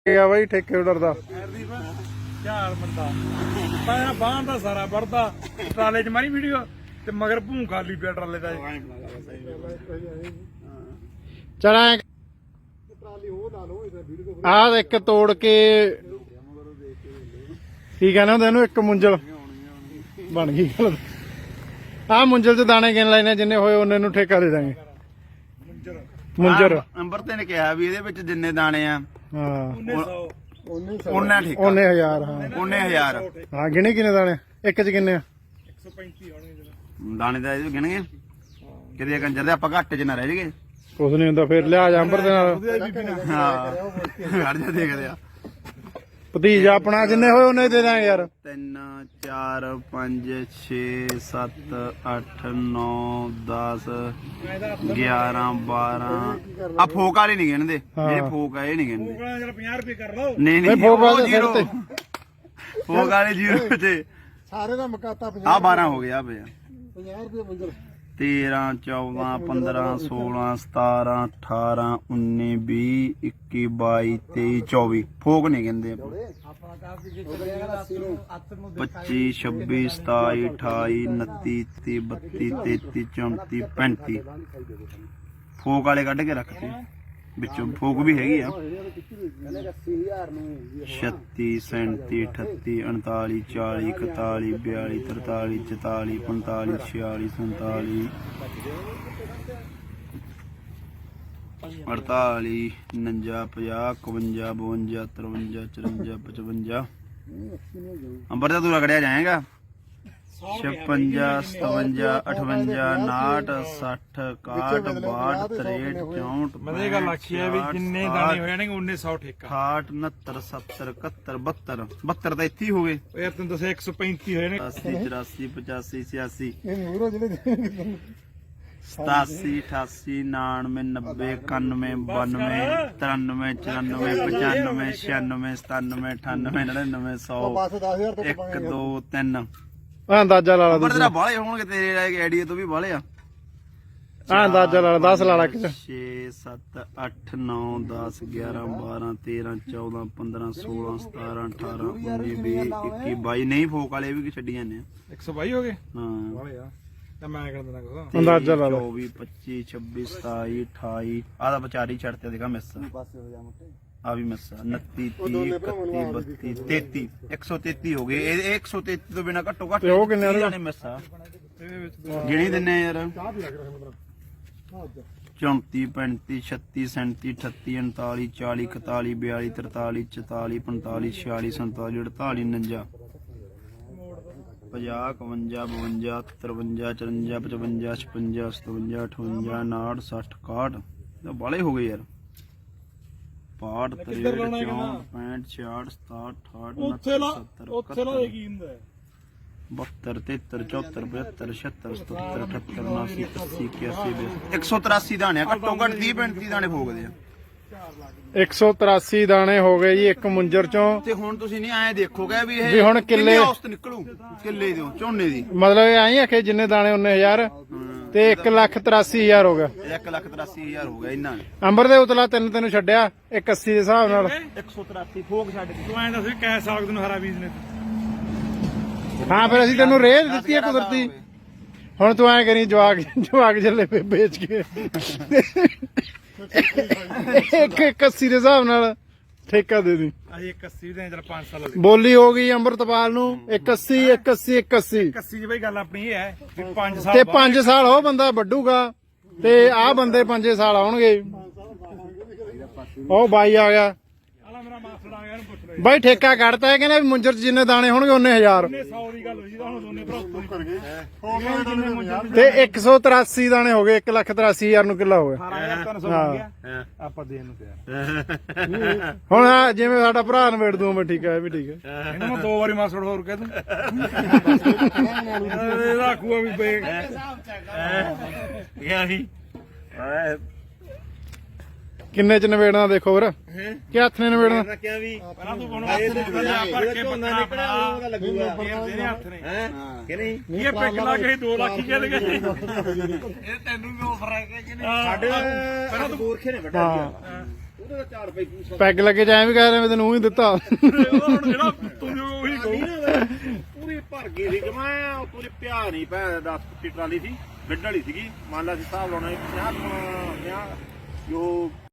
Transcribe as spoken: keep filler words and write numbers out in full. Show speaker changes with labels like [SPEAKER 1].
[SPEAKER 1] ਗਿਆ ਬਾਈ ਠੇਕੇ ਆਰਡਰ ਦਾ
[SPEAKER 2] ਝਾਲ ਮੰਦਾ ਮੈਂ ਬਾਹਾਂ ਦਾ ਸਾਰਾ ਵੜਦਾ ਟਰਾਲੇ 'ਚ ਮਾਰੀ ਵੀਡੀਓ ਤੇ ਮਗਰ ਭੂੰ ਖਾਲੀ ਪਿਆ ਟਰਾਲੇ ਦਾ
[SPEAKER 1] ਚਲਾ ਆਹ ਇੱਕ ਤੋੜ ਕੇ ਕੀ ਕਹਿੰਦੇ ਹੁੰਦੇ ਇਹਨੂੰ ਇੱਕ ਮੁੰਜਲ ਬਣ ਗਈ ਗੱਲ। ਆਹ ਮੁੰਜਲ 'ਚ ਦਾਣੇ ਗਿਣ ਲੈਣੇ ਜਿੰਨੇ ਹੋਏ ਉਹਨੇ ਨੂੰ ਠੇਕਾ ਦੇ ਦਾਂਗੇ। ਮੁੰਜਰ
[SPEAKER 3] ਅੰਬਰ ਤੇ ਨੇ ਕਿਹਾ ਵੀ ਇਹਦੇ ਵਿੱਚ ਜਿੰਨੇ ਦਾਣੇ ਆ
[SPEAKER 1] ਹਾਂ
[SPEAKER 3] ਉਹਨੇ ਠੀਕ
[SPEAKER 1] ਉਹਨੇ ਹਜ਼ਾਰ ਹਾਂ
[SPEAKER 3] ਉਹਨੇ ਹਜ਼ਾਰ
[SPEAKER 1] ਹਾਂ ਗਿਣੇ ਕਿੰਨੇ ਦਾਣੇ ਇੱਕ 'ਚ ਕਿੰਨੇ ਆ
[SPEAKER 2] ਇੱਕ ਸੌ ਪੈਂਤੀ ਹੋਣਗੇ
[SPEAKER 3] ਦਾਣੇ ਦਾ ਇਹ ਗਿਣਗੇ ਕਿਤੇ ਕੰਜਰ ਦੇ ਆਪਾਂ ਘੱਟ ਚ ਨਾ ਰਹਿ ਜਗੇ
[SPEAKER 1] ਕੁਛ ਨਹੀਂ ਹੁੰਦਾ ਫਿਰ ਲਿਆ ਜਾ ਅੰਬਰ ਦੇ ਨਾਲ
[SPEAKER 3] ਹਾਂ ਘੜ ਜਾ ਦੇਖਦੇ ਆ
[SPEAKER 1] ਭਤੀਜਾ ਆਪਣਾ ਜਿੰਨੇ ਹੋਏ ਉਹਨੇ ਦੇ ਦਾਂਗੇ ਯਾਰ।
[SPEAKER 3] ਤਿੰਨ ਚਾਰ ਪੰਜ ਛੇ ਸੱਤ ਅੱਠ ਨੌ ਦਸ ਗਿਆਰਾਂ ਬਾਰਾਂ ਆ ਫੋਕ ਵਾਲੇ ਨਹੀਂ ਗਿਣਦੇ ਜਿਹੜੇ ਫੋਕ ਆ ਇਹ ਨਹੀਂ ਗਿਣਦੇ
[SPEAKER 2] ਚਲ ਪੰਜਾਹ ਰੁਪਏ ਕਰ ਲਓ
[SPEAKER 3] ਨਹੀਂ ਨਹੀਂ
[SPEAKER 1] ਫੋਕ ਵਾਲੇ
[SPEAKER 3] ਜ਼ੀਰੋ ਫੋਕ ਵਾਲੇ ਜ਼ੀਰੋ ਤੇ
[SPEAKER 1] ਸਾਰੇ ਦਾ ਮਕਾਤਾ
[SPEAKER 3] ਆ ਬਾਰਾਂ ਹੋ ਗਿਆ ਪਿਆ
[SPEAKER 1] ਪੰਜਾਹ ਰੁਪਏ ਮੰਜ਼ਲ
[SPEAKER 3] ਤੇਰਾਂ ਚੌਦਾਂ ਪੰਦਰਾਂ ਸੋਲਾਂ ਸਤਾਰਾਂ ਅਠਾਰਾਂ ਉੱਨੀ ਵੀਹ ਇੱਕੀ ਬਾਈ ਤੇਈ ਚੌਵੀ ਫੋਕ ਨਹੀਂ ਕਹਿੰਦੇ ਪੱਚੀ ਛੱਬੀ ਸਤਾਈ ਅਠਾਈ ਉਨੱਤੀ ਤੀਹ ਬੱਤੀ ਤੇਤੀ ਚੌਂਤੀ ਪੈਂਤੀ ਫੋਕ ਵਾਲੇ ਕੱਢ ਕੇ ਰੱਖਤੇ ਵਿੱਚੋਂ ਫੋਕ ਵੀ ਹੈਗੀ ਆ ਛੱਤੀ ਸੈਂਤੀ ਅਠੱਤੀ ਉਨਤਾਲੀ ਚਾਲੀ ਇਕਤਾਲੀ ਬਿਆਲੀ ਤਰਤਾਲੀ ਚੁਤਾਲੀ ਪੰਤਾਲੀ ਛਿਆਲੀ ਸੰਤਾਲੀ ਅੜਤਾਲੀ ਉਨੰਜਾ ਪੰਜਾਹ ਇਕਵੰਜਾ ਬਵੰਜਾ ਤਰਵੰਜਾ ਚੁਰੰਜਾ ਪਚਵੰਜਾ ਅੰਬਰ ਦਾ ਤੂੰ ਰਗੜਿਆ ਜਾਏਗਾ ਛਪੰਜਾ ਸਤਵੰਜਾ ਅਠਵੰਜਾ ਉਨਾਹਠ ਸੱਠ ਇਕਾਹਠ ਬਾਹਠ ਤਰੇਹਠ ਚੌਂਹਠ
[SPEAKER 2] ਮੈਂ ਇਹ ਗੱਲ ਆਖੀ ਹੈ ਵੀ ਜਿੰਨੇ ਦਾਣੇ ਹੋ ਜਾਣਗੇ ਉਨੇ ਸੌ ਠੇਕਾ
[SPEAKER 3] ਅਠਾਹਠ ਉਨੱਤਰ ਸੱਤਰ ਇਕਹੱਤਰ ਬਹੱਤਰ ਬਹੱਤਰ ਤਾਂ ਇੱਥੇ ਹੀ ਹੋ ਗਏ
[SPEAKER 2] ਉਹ ਯਾਰ ਤੈਨੂੰ ਦੱਸਿਆ ਇੱਕ ਸੌ ਪੈਂਤੀ ਹੋਏ ਨੇ
[SPEAKER 3] ਅਠਾਸੀ ਚੁਰਾਸੀ ਪਚਾਸੀ ਛਿਆਸੀ ਸਤਾਸੀ ਅਠਾਸੀ ਉਨਾਨਵੇਂ ਨੱਬੇ ਇਕਾਨਵੇਂ ਬਾਨਵੇਂ ਤਰਾਨਵੇਂ ਚੁਰਾਨਵੇਂ ਪਚਾਨਵੇਂ ਛਿਆਨਵੇਂ ਸਤਾਨਵੇਂ ਅਠਾਨਵੇਂ ਨੜਿਨਵੇਂ ਸੌ ਇੱਕ ਦੋ ਤਿੰਨ
[SPEAKER 1] ਆ ਅੰਦਾਜ਼ਾ ਲਾ ਲਾ
[SPEAKER 3] ਪਰ ਤੇਰਾ ਬਾਲੇ ਹੋਣਗੇ ਤੇਰੇ ਆਈਡੀਆ ਤੋਂ ਵੀ ਬਾਲੇ ਆ
[SPEAKER 1] ਆ ਅੰਦਾਜ਼ਾ ਲਾ ਲਾ ਦਸ ਲਾ ਲਾ ਇੱਕ
[SPEAKER 3] ਛੇ ਸੱਤ ਅੱਠ ਨੌ ਦਸ ਗਿਆਰਾਂ ਬਾਰਾਂ ਤੇਰਾਂ ਚੌਦਾਂ ਪੰਦਰਾਂ ਸੋਲਾਂ ਸਤਾਰਾਂ ਅਠਾਰਾਂ ਉੱਨੀ ਵੀਹ ਇੱਕੀ ਬਾਈ ਨਹੀਂ ਫੋਕ ਵਾਲੇ ਵੀ ਛੱਡੀ ਜਾਂਦੇ ਆ
[SPEAKER 2] ਇੱਕ ਸੌ ਬਾਈ ਹੋ ਗਏ
[SPEAKER 3] ਹਾਂ
[SPEAKER 2] ਤਾਂ ਮੈਂ ਕਰ ਦਿੰਦਾ ਕੁਛ
[SPEAKER 1] ਅੰਦਾਜ਼ਾ ਲਾ ਲਾ
[SPEAKER 3] ਚੌਵੀ ਪੱਚੀ ਛੱਬੀ ਸਤਾਈ ਅਠਾਈ ਆਹ ਤਾਂ ਵਿਚਾਰੀ ਛੱਡ ਤੇ ਦੇਖਾ ਮਿਸ ਆ ਵੀ ਮਿਸ ਉਨੱਤੀ ਤੀਹ ਇਕੱਤੀ ਬੱਤੀ ਤੇਤੀ ਇੱਕ ਸੌ ਤੇਤੀ ਹੋ ਗਏ ਇਹ ਇੱਕ ਸੌ ਤੇਤੀ ਤੋਂ ਬਿਨਾ ਘੱਟੋ ਘੱਟ
[SPEAKER 1] ਤੇ ਉਹ ਕਿੰਨੇ ਆ?
[SPEAKER 3] ਮਿਸ ਆ ਗਿਣੀ ਦਿੰਨੇ ਯਾਰ ਚੌਂਤੀ ਪੈਂਤੀ ਛੱਤੀ ਸੈਂਤੀ ਅਠੱਤੀ ਉਨਤਾਲੀ ਚਾਲੀ ਇਕਤਾਲੀ ਬਿਆਲੀ ਤਰਤਾਲੀ ਚੁਤਾਲੀ ਪੰਤਾਲੀ ਛਿਆਲੀ ਸੰਤਾਲੀ ਅੜਤਾਲੀ ਉਨੰਜਾ ਪੰਜਾਹ ਇਕਵੰਜਾ ਬਵੰਜਾ ਤਰਵੰਜਾ ਚੁਰੰਜਾ ਪਚਵੰਜਾ ਛਪੰਜਾ ਸਤਵੰਜਾ ਅਠਵੰਜਾ ਉਨਾਹਠ ਸੱਠ ਇਕਾਹਠ ਬਾਲੇ ਹੋ ਗਏ ਯਾਰ ਪਾਠ ਤਰੇਹਠ ਚੌਂਹਠ ਪੈਂਹਠ ਛਿਆਹਠ ਸਤਾਹਠ ਅਠਾਹਠ
[SPEAKER 2] ਉੱਥੇ ਲਾ
[SPEAKER 3] ਸੱਤਰ
[SPEAKER 2] ਉੱਥੇ ਲਾ ਕੀ ਹੁੰਦਾ
[SPEAKER 3] ਬਹੱਤਰ ਤੇਹੱਤਰ ਚੌਹੱਤਰ ਪਚੱਤਰ ਛਿਅੱਤਰ ਸਤੱਤਰ ਅਠੱਤਰ ਉਨਾਸੀ ਅੱਸੀ ਇਕਿਆਸੀ ਇੱਕ ਸੌ ਤਰਾਸੀ ਦਾਣੇ ਘੱਟੋ ਘੱਟ ਤੀਹ ਪੈਂਤੀ ਦਾਣੇ ਫੋਕਦੇ ਆ
[SPEAKER 1] ਇੱਕ ਸੌ ਤਰਾਸੀ ਦਾਣੇ ਹੋ ਗਏ ਜੀ ਇੱਕ ਮੁੰਜਰ ਚੋਂ।
[SPEAKER 3] ਤੇ ਹੁਣ ਤੁਸੀਂ ਨਹੀਂ ਐਂ ਦੇਖੋਗੇ ਵੀ
[SPEAKER 1] ਵੀ
[SPEAKER 3] ਇਹ
[SPEAKER 1] ਹੁਣ ਕਿੱਲੇ
[SPEAKER 3] ਔਸਤ ਨਿਕਲੂ ਕਿੱਲੇ ਦੀ ਝੋਨੇ ਦੀ
[SPEAKER 1] ਮਤਲਬ ਇਹ ਆਈ ਆਖੇ ਜਿੰਨੇ ਦਾਣੇ ਉਹਨੇ ਹਜ਼ਾਰ ਤੇ ਇੱਕ ਲੱਖ ਤਰਾਸੀ ਹਜ਼ਾਰ ਹੋ ਗਿਆ
[SPEAKER 3] ਇੱਕ ਲੱਖ ਤਰਾਸੀ ਹਜ਼ਾਰ ਹੋ ਗਿਆ ਇਹਨਾਂ ਨੇ
[SPEAKER 1] ਅੰਬਰ ਦੇ ਉਤਲਾ ਤਿੰਨ ਤੈਨੂੰ ਛੱਡਿਆ ਇੱਕ ਅੱਸੀ ਦੇ ਹਿਸਾਬ ਨਾਲ
[SPEAKER 3] ਇੱਕ ਸੌ ਤਰਾਸੀ ਫੋਕ ਛੱਡ ਕੇ
[SPEAKER 2] ਤੂੰ ਐਂ ਦੱਸ ਵੀ ਕੈ ਸਾਗ ਤੈਨੂੰ ਹਰਾ ਬੀਜ ਨੇ
[SPEAKER 1] ਹਾਂ ਫਿਰ ਅਸੀਂ ਤੈਨੂੰ ਰੇਹ ਦਿੱਤੀ ਹੈ ਕੁਦਰਤੀ। ਹੁਣ ਤੂੰ ਐ ਕਰੀ ਜਵਾਕ ਜਵਾਕ ਜੱਲੇ ਪੇ ਵੇਚ ਕੇ ਇੱਕ ਇੱਕ ਅੱਸੀ ਦੇ ਹਿਸਾਬ ਨਾਲ ਠੇਕਾ ਦੇ ਦੀ।
[SPEAKER 2] ਅਸੀਂ ਇੱਕ ਅੱਸੀ ਦੇ ਚਲ ਪੰਜ ਸਾਲ ਹੋ ਗਏ
[SPEAKER 1] ਬੋਲੀ ਹੋ ਗਈ ਅੰਮ੍ਰਿਤਪਾਲ ਨੂੰ ਇੱਕ ਅੱਸੀ ਇੱਕ ਅੱਸੀ ਇੱਕ ਅੱਸੀ
[SPEAKER 2] ਅੱਸੀ ਜੀ ਬਈ ਗੱਲ ਆਪਣੀ ਇਹ ਹੈ ਵੀ ਪੰਜ ਸਾਲ
[SPEAKER 1] ਤੇ ਪੰਜ ਸਾਲ ਉਹ ਬੰਦਾ ਵੱਡੂਗਾ ਤੇ ਆਹ ਬੰਦੇ ਪੰਜੇ ਸਾਲ ਆਉਣਗੇ। ਉਹ ਬਾਈ ਆ ਗਿਆ
[SPEAKER 2] ਆਲਾ ਮੇਰਾ ਮਾਸੜ ਆ ਗਿਆ ਇਹਨੂੰ ਪੁੱਛ ਲੈ
[SPEAKER 1] ਬਾਈ ਠੇਕਾ ਕੱਢਤਾ ਹੈ ਕਹਿੰਦਾ ਵੀ ਮੁੰਜਰ ਚ ਜਿੰਨੇ ਦਾਣੇ ਹੋਣਗੇ ਉਹਨੇ ਹਜ਼ਾਰ
[SPEAKER 2] ਇਹਨੇ ਸੌ ਦੀ ਗੱਲ ਹੋਈ ਸੀ ਤਾਂ ਹੁਣ ਦੋਨੇ ਭਰਾ ਉੱਤੋਂ ਹੀ ਕਰ ਗਏ
[SPEAKER 1] ਤੇ ਇੱਕ ਸੌ ਤਰਾਸੀ ਦਾਣੇ ਹੋ ਗਏ ਇੱਕ ਲੱਖ ਤਰਾਸੀ ਹਜ਼ਾਰ ਨੂੰ ਕਿੱਲਾ ਹੋ ਗਿਆ।
[SPEAKER 2] ਅਠਾਰਾਂ ਹਜ਼ਾਰ ਤਿੰਨ ਸੌ ਬਣ ਗਿਆ ਆਪਾਂ ਦੇਣ ਨੂੰ ਤਿਆਰ
[SPEAKER 1] ਹੁਣ ਆਹ ਜਿਵੇਂ ਸਾਡਾ ਭਰਾ ਨਵੇੜ ਦੂੰ ਮੈਂ ਠੀਕ ਹੈ ਇਹ ਵੀ ਠੀਕ ਹੈ।
[SPEAKER 2] ਇਹਨੂੰ ਮੈਂ ਦੋ ਵਾਰੀ ਮਾਸੜ ਹੋਰ ਕਹਿ ਦੂੰ ਇਹਦਾ ਆਖੂਆ ਵੀ ਬੇ
[SPEAKER 3] ਗਿਆ ਸੀ
[SPEAKER 1] ਕਿੰਨੇ ਚ ਨਵੇੜਨਾ ਦੇਖੋ ਵੀਰ ਕਿ ਹੱਥ ਨੇ ਨਵੇੜਨਾ
[SPEAKER 3] ਕਿਹਾ ਵੀ
[SPEAKER 2] ਪਹਿਲਾਂ ਤੂੰ ਕੋਣ ਭਰ ਕੇ ਬੰਦਾ ਨਿਕਲਿਆ ਲੱਗੂਗਾ ਇਹਦੇ ਹੱਥ ਨੇ
[SPEAKER 3] ਕਿ ਨਹੀਂ
[SPEAKER 2] ਇਹ ਪਿੱਕ ਲਾ ਕੇ ਦੋ ਲੱਖ ਹੀ ਕਹਿੰਦੇ ਇਹ ਤੈਨੂੰ ਵੀ ਆਫਰ ਹੈ ਕਿ ਨਹੀਂ
[SPEAKER 3] ਸਾਡੇ ਪਹਿਲਾਂ ਤੂੰ ਗੋਰਖੇ ਨੇ ਵੱਡਾ
[SPEAKER 1] ਹਾਂ
[SPEAKER 3] ਉਹਦੇ ਦਾ ਚਾਰ ਰੁਪਏ
[SPEAKER 1] ਪੈਗ ਲੱਗੇ ਜਾਏ ਵੀ ਕਹਿ ਰਹੇ ਮੈਂ ਤੈਨੂੰ ਊਂ ਹੀ ਦਿੱਤਾ
[SPEAKER 2] ਉਹਦਾ ਹੁਣ ਜਿਹੜਾ ਤੂੰ ਜੋ ਉਹੀ ਕਹੂ
[SPEAKER 3] ਪੂਰੀ ਭਰ ਗਈ ਸੀ ਜਮਾ ਪੂਰੀ ਪਿਆ ਨਹੀਂ ਪੈ ਦਸ ਫੁੱਟੀ ਟਰਾਲੀ ਸੀ ਗੱਡ ਵਾਲੀ ਸੀਗੀ ਮੰਨ ਲਾ ਸੀ ਹਿਸਾਬ ਲਾਉਣਾ ਪੰਜਾਹ ਪੰਜਾਹ ਜੋ